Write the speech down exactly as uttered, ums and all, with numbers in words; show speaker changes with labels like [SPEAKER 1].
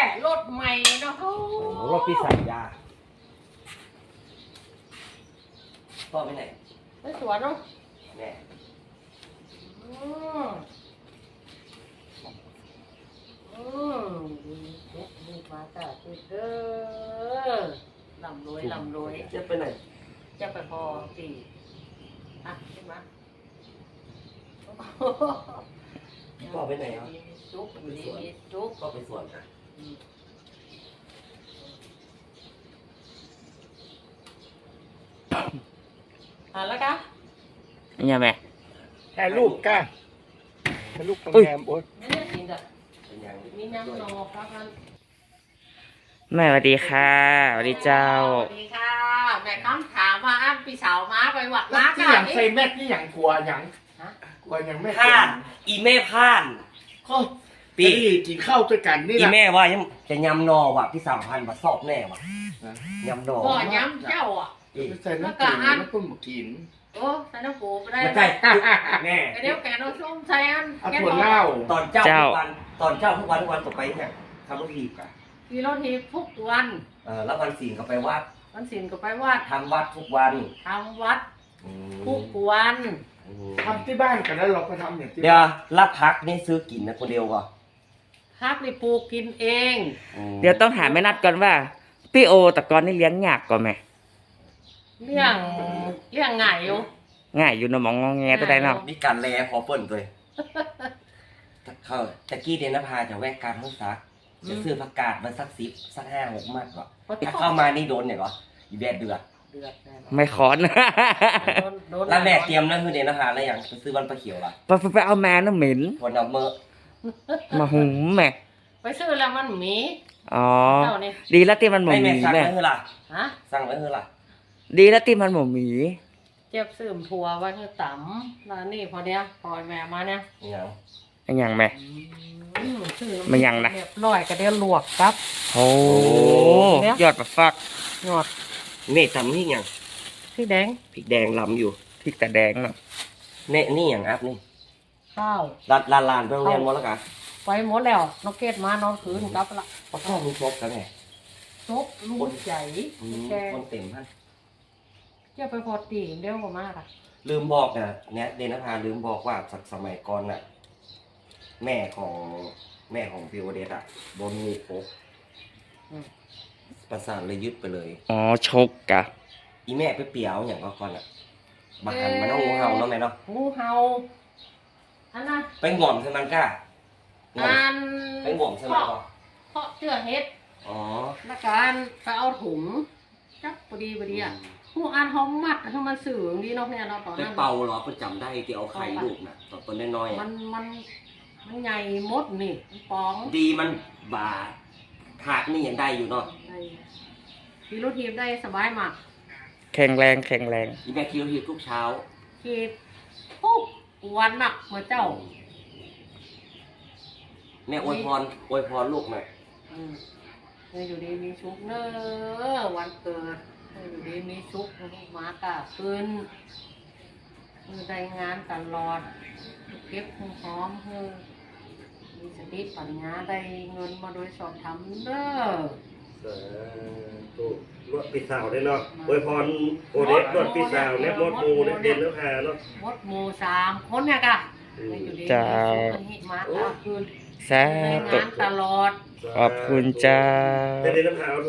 [SPEAKER 1] รถใหม่เนาะโอ้
[SPEAKER 2] รถพี่ใส่ยาพ่อไปไหน
[SPEAKER 1] ไปสวนเนาะ
[SPEAKER 2] แม่
[SPEAKER 1] อืมอืมดีเด็ดดีมาจ้ะติดเด้อลำรวยลำรวย
[SPEAKER 2] จะไปไหน
[SPEAKER 1] จะไปพอสี่อ่ะขึ้นมา
[SPEAKER 2] พ่อไปไหนอ่ะ
[SPEAKER 1] จุ๊บดีจุ๊บ
[SPEAKER 2] พ่อไปสวนนะ
[SPEAKER 1] อ่ะแล้วกัน
[SPEAKER 3] ยังไง
[SPEAKER 4] ถ่ายรูปก้าถ่ายรูปตรงแรมโอ๊ย
[SPEAKER 1] ไม่ได้กินอ่ะมีน้ำนอครับท่าน
[SPEAKER 3] แม่สวัสดีค่ะสวัสดีเจ้า
[SPEAKER 1] สวัสดีค่ะแม่คำถามว่าอ้ำพี่สาวม้าไปหวัดม้า
[SPEAKER 4] ที่อย่างใส่แม่ที่อย่างกลัวอย่างกลัวอย่างแม่
[SPEAKER 2] พลาดอีแม่พลาด
[SPEAKER 4] ก็ปีกินข้าวด้วยกันนี่แหละ
[SPEAKER 2] อีแม่ว่ายังจะยำนอว่ะพี่สาวพันมาสอบแน่ว่ะยำนอ
[SPEAKER 1] ก็ย้ำเจ้าอ่ะ
[SPEAKER 4] ใส่น้ำปูน้ำปูหมูกิน
[SPEAKER 1] โอ้ใส่น้ำปูไปได้
[SPEAKER 2] ไม่ใช่แม่
[SPEAKER 1] เดี๋ยวแกน้ำส้มใส่อัน
[SPEAKER 4] แกถั่วเน่า
[SPEAKER 2] ตอนเจ้าทุกวันตอนเจ้าทุกวันทุกวันต่อไปเนี่ยทำรถทีบกัน
[SPEAKER 1] มีรถทีทุกวัน
[SPEAKER 2] เออแล้ววันศีลก็ไปวัด
[SPEAKER 1] วันศีลก็ไปวัด
[SPEAKER 2] ทำวัดทุกวัน
[SPEAKER 1] ทำวัดทุกวัน
[SPEAKER 4] ทำที่บ้านกันแล้วเราก็ทำอย่างที่
[SPEAKER 2] เดี๋ยวรับพักนี่ซื้อกินนะคนเดียวก่อน
[SPEAKER 1] พักนี่ปลูกกินเอง
[SPEAKER 3] เดี๋ยวต้องหาแม่นัดก่อนว่าพี่โอตะกอนนี่เลี้ยงยากก่อนไหม
[SPEAKER 1] เลี้ยงเลี้ยงง่ายอยู่
[SPEAKER 3] ง่ายอยู่นะมองงอแงตัวใดเนาะ
[SPEAKER 2] มีการแลพอเปิ่นเลยเขาตะกี้เดนพาจะแวะการห้องซักจะซื้อผักกาดมาสักสิบสักห้าหกมากกว่าถ้าเข้ามานี่โดนเนี่ยเหรออีแบดเดือด
[SPEAKER 1] เดือด
[SPEAKER 3] ไม่ค้อน
[SPEAKER 2] แล้วแม่เตรียมนั่นคือเดนพาแล้วอย่างไปซื้อวันปลาเขียวล่ะ
[SPEAKER 3] ไปไปเอาแม่น้ำเหม็น
[SPEAKER 2] คนเอาเมื่อ
[SPEAKER 3] มาหุงแม่
[SPEAKER 1] ไปซื้อแล้วมันหมี
[SPEAKER 3] อ๋อดีแล้วที่มันหมูหมี
[SPEAKER 2] แม่สั่งไว้เท่าไหร่
[SPEAKER 1] ฮะ
[SPEAKER 2] สั่งไว้เท่าไหร่
[SPEAKER 3] ดีแล้วที่มันหมูหมี
[SPEAKER 1] เจ็บซึมทัวไว้คือต่ำแล้วนี่พอเนี้ยพอแม่มาเนี่ย
[SPEAKER 2] ยัง
[SPEAKER 3] ยังแม่ไม่ยังนะ
[SPEAKER 1] ลอยกระเดียวลวกครับ
[SPEAKER 3] โอ้ยอดปลาฟัก
[SPEAKER 1] ยอด
[SPEAKER 2] เน่ทำนี่ยัง
[SPEAKER 1] พริกแดง
[SPEAKER 2] พริกแดงล้ำอยู่
[SPEAKER 3] พริกแต่แดงเนาะ
[SPEAKER 2] เน่นี่อย่างอัพนี่
[SPEAKER 1] ข้าว
[SPEAKER 2] ลานลานลานไปโรงเรียนหมดแล้วกัน
[SPEAKER 1] ไปหมดแล้วน้องเกดมานอนคืนครับละ
[SPEAKER 2] พ่อพ่อมีครบกันไง
[SPEAKER 1] ครบลูกใหญ่แก
[SPEAKER 2] คนเต็มท่าน
[SPEAKER 1] เจ้าไปพอตีเดี๋ยวก็มากอ่ะ
[SPEAKER 2] ลืมบอกนะเนี่ยเดนพาลืมบอกว่าสักสมัยก่อนน่ะแม่ของแม่ของฟิวเดตอ่ะโดนงูพกประสาทเลยยึดไปเลย
[SPEAKER 3] อ๋อชกกะ
[SPEAKER 2] อีแม่ไปเปียวอย่างก็ก่อนอ่ะบางอันมันต้องงูเห่าเนาะแม่เนาะ
[SPEAKER 1] งูเห่าอันน่ะ
[SPEAKER 2] ไปง่อมใช่มันก้า
[SPEAKER 1] อัน
[SPEAKER 2] ไปง่อมใช่มันก็
[SPEAKER 1] เพาะเจือเฮ็ด
[SPEAKER 2] อ๋อ
[SPEAKER 1] แล้วการไปเอาถุงจับพอดีพอดีอ่ะหูอันหอมมัดให้มันสื่อดีเนาะเนี่ยเนาะตอนนั้น
[SPEAKER 2] ไปเป่าเหรอประจำได้ที่เอาไข่ลูกน่ะตอนต้นน้อย
[SPEAKER 1] ๆมันมันมันใหญ่มดนี่ปอง
[SPEAKER 2] ดีมันบาดหักนี่ยังได้อยู่เนาะ
[SPEAKER 1] ขี่รถทีมได้สบายมาก
[SPEAKER 3] แข็งแรงแข็งแรง
[SPEAKER 2] อีแม่ขี่รถทีมทุกเช้า
[SPEAKER 1] ขี่ทุกวันหนักเหมือนเจ้า
[SPEAKER 2] แม่อวยพรอวยพรลูกหน่อย
[SPEAKER 1] เธออยู่ดีมีชุกเนอวันเกิดเธออยู่ดีมีชุกลูกหมากะขึ้นเธอได้งานตลอดเก็บหอมเธอมีสติปัญญาได้เงินมาโดยสอบทำเด้อ
[SPEAKER 2] เออตู้รถปีสาวได้เนาะอวยพรโอเดสรถปีสาวเน็ตมดมูเน็ตเด่นแล้วหาเนาะ
[SPEAKER 1] มดมูสามคนเนี่ยกะอยู่ดีมีหมากะขึ้น
[SPEAKER 3] สาธุ
[SPEAKER 1] ตลอด
[SPEAKER 3] ขอบคุณจ้า
[SPEAKER 2] ได้เล่นน้ำหา